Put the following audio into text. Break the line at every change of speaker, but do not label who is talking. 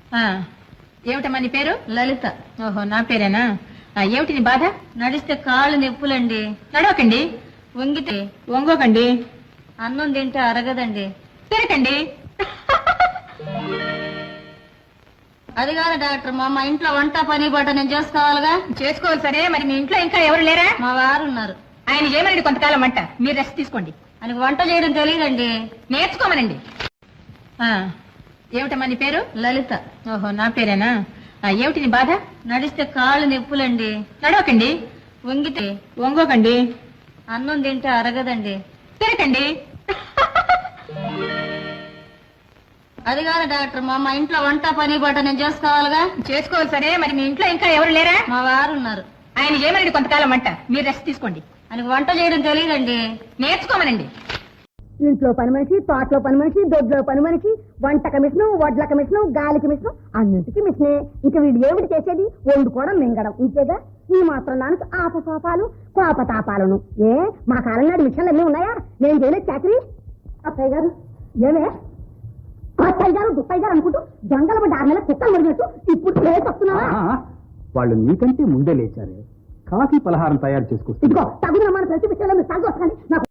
ఏమిటమ్మా నీ పేరు?
లలిత.
ఓహో, నా పేరేనా? ఏమిటి నీ బాధ?
నడిస్తే కాళ్ళు నొప్పులండి.
నడవకండి.
వంగితే
వంగోకండి.
అన్నం తింటే అరగదండి.
తిరగండి.
అది కాదు డాక్టర్, మా ఇంట్లో వంట పని బాట నేను చేసుకోవాలిగా.
చేసుకోవాలి సరే, మరి మీ ఇంట్లో ఇంకా ఎవరు లేరా?
మా వారు ఉన్నారు.
ఆయన చేయమనండి కొంతకాలం వంట. మీరు రెస్ట్ తీసుకోండి.
ఆయనకు వంట చేయడం తెలియదండి.
నేర్చుకోమనండి. ఏమిటమ్మా నీ పేరు?
లలిత.
ఓహో, నా పేరేనా? ఏమిటి నీ బాధ?
నడిస్తే కాళ్ళు నొప్పులండి.
నడవకండి.
వంగితే
వంగోకండి.
అన్నం తింటే అరగదండి.
తిరగండి.
అది కాదు డాక్టర్, మా ఇంట్లో వంట పని బాట నేను చేసుకోవాలిగా.
చేసుకోవాలి సరే, మరి మీ ఇంట్లో ఇంకా ఎవరు లేరా?
మా వారు ఉన్నారు.
ఆయన చేయమనండి కొంతకాలం వంట. మీరు రెస్ట్ తీసుకోండి.
ఆయనకు వంట చేయడం తెలియదండి.
నేర్చుకోమనండి.
ఇంట్లో పని మనిషి, తోటలో పని మనిషి, దొడ్లో పని మనిషి, వంటక మిషను, వడ్లక మిషను, గాలికి మిషను, అన్నింటికి మిషనే. ఇంకా వీడు ఏమిటి చేసేది? వండుకోవడం, మింగడం, ఇంతేగా. ఈ మాత్రం దానికి ఆపసోపాలు, కోపతాపాలను. మా కాలం నాడు మిషన్లు అన్నీ ఉన్నాయా? నేను చేయలేదు చాకరీ. అత్తయ్య గారు ఏమే? అత్తయ్య గారు దుప్పయ్య గారు అనుకుంటూ జంగల పడ్డ 6 నెలల కుక్కలు మురిగినట్టు ఇప్పుడు లేచి వస్తున్నావా?
వాళ్ళు నీకంటే ముందే లేచారే. కాఫీ పలహారం తయారు చేసుకొస్తుంది.
ఇదిగో తగుదనமான ప్రతి విషయంలో మీరు సాగు వస్తుంది. నాకు